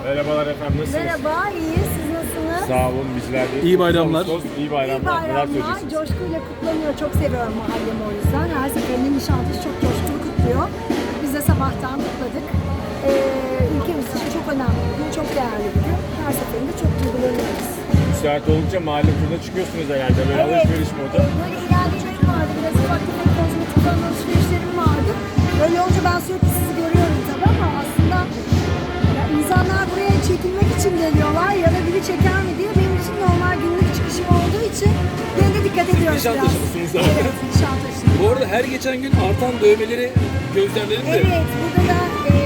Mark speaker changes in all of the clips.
Speaker 1: Merhabalar efendim, nasılsınız?
Speaker 2: Merhaba, iyiyiz. Siz nasılsınız?
Speaker 1: Sağ olun, bizler de.
Speaker 3: İyi bayramlar.
Speaker 1: İyi bayramlar.
Speaker 2: İyi bayramlar. Coşkuyla kutlanıyor. Çok seviyorum mahallemi o yüzden. Her seferinde Nişantaşı çok coşkulu kutluyor. Biz de sabahtan kutladık. Ülkemiz için çok önemli bir gün, çok değerli bir gün. Her seferinde çok duygulanıyoruz.
Speaker 1: Müsait oldukça mahalle turuna çıkıyorsunuz herhalde. Böyle alışveriş modu.
Speaker 2: Böyle ilerleyeceğim vardı. Biraz ufak tefek kozmetik falan alışverişlerim vardı. Böyle olunca ben sürekli sizi görüyorum tabii ama aslında ya insanlar buraya çekilmek için geliyorlar ya da biri çeker mi diye benim için normal günlük çıkışım olduğu için ben de dikkat ediyoruz biraz.
Speaker 3: Nişantaşı'lısınız zaten.
Speaker 2: Evet, Nişantaşı.
Speaker 3: Bu arada her geçen gün artan dövmeleri gözlemledim de.
Speaker 2: Evet, burada da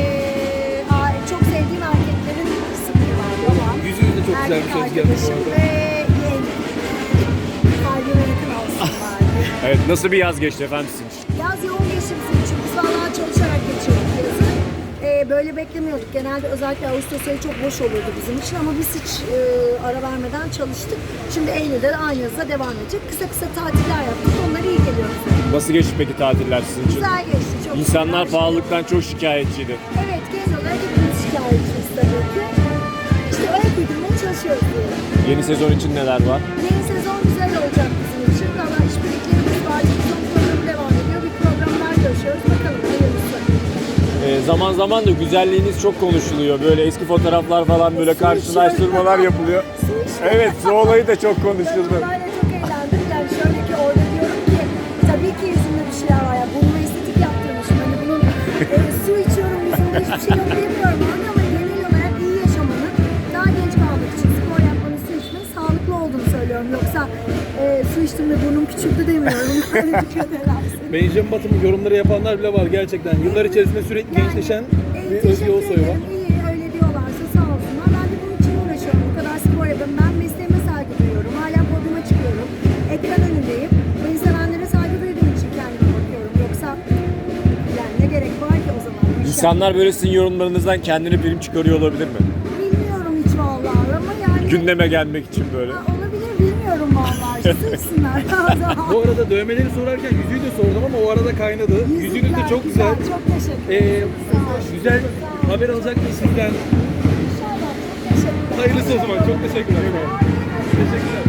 Speaker 2: çok sevdiğim erkeklerin kısmı var. Babam,
Speaker 3: Yüzünüz de çok güzel bir
Speaker 2: erkek
Speaker 3: söz geldi bu
Speaker 2: arkadaşım
Speaker 3: arada.
Speaker 2: ve yeğenim. Kalbime yakın olsun bari.
Speaker 1: Evet, nasıl bir yaz geçti efendim sizin için?
Speaker 2: Yaz yoğun geçti bizim için. Biz vallahi çalışarak geçirdik yazı. Böyle beklemiyorduk. Genelde özellikle Ağustos ayı çok boş olurdu bizim için ama biz hiç ara vermeden çalıştık. Şimdi Eylül'de de aynı yazıda devam edecek. Kısa kısa tatiller yaptık. Onlar iyi geliyor bize.
Speaker 1: Nasıl geçti peki tatiller sizin için?
Speaker 2: Güzel geçti. Çok
Speaker 1: İnsanlar
Speaker 2: güzel.
Speaker 1: pahalılıktan çok şikayetçiydi.
Speaker 2: Evet, genel olarak hepimiz şikayetçiyiz tabii ki. İşte ayak uydurmaya çalışıyoruz diyelim.
Speaker 1: Yeni sezon için neler var?
Speaker 2: Yeni sezon güzel olacak bizim için. Valla işbirliklerimiz var. Sezon programı devam ediyor. Bir programlar görüşüyoruz. Bakalım hayırlısı.
Speaker 1: Zaman zaman da güzelliğiniz çok konuşuluyor. Böyle eski fotoğraflar falan böyle karşılaştırmalar yapılıyor. Evet, su olayı da çok konuşuldu.
Speaker 2: Ben olayla çok eğlendim. Yani şöyle ki orada diyorum ki tabii ki yüzümde bir şeyler var ya. Bununla estetik yaptırmışım. Hani bunun su içiyorum yüzümde hiçbir şey yok demiyorum. Ama genel olarak iyi yaşamanın, daha genç kalmak için spor yapmanın, su içmenin sağlıklı olduğunu söylüyorum. Yoksa su içtim de burnum küçüldü demiyorum. Öyle dikkat edersin.
Speaker 3: Benjamin Button'ın yorumları yapanlar bile var gerçekten. Yıllar içerisinde sürekli gençleşen bir Özge Ulusoy var.
Speaker 2: İyi öyle diyorlarsa sağ olsunlar. Ben de bunun için uğraşıyorum. Bu kadar spor yapıyorum. Ben mesleğime saygı duyuyorum. Hala podyuma çıkıyorum. Ekran önündeyim. Beni sevenlere saygı duyduğum için kendime bakıyorum. Yoksa yani ne gerek var ki o zaman?
Speaker 1: İnsanlar böyle sizin yorumlarınızdan kendini prim çıkarıyor olabilir mi?
Speaker 2: Bilmiyorum hiç vallahi ama yani.
Speaker 1: Gündeme gelmek için böyle.
Speaker 2: Olabilir bilmiyorum vallahi. Sıksınlar.
Speaker 3: Bu arada dövmeleri sorarken yüzüğü de sordum ama o arada kaynadı. Yüzünüz de çok güzel.
Speaker 2: Çok teşekkür ederim. Sağ olun.
Speaker 3: Güzel haber alacak mıyız sizden?
Speaker 2: İnşallah. Çok teşekkür ederim.
Speaker 3: Hayırlısı o zaman. Çok teşekkürler. Teşekkürler.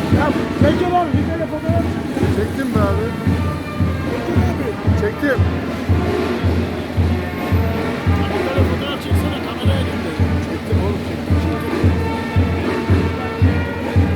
Speaker 4: Çektim mi abi? Çektim.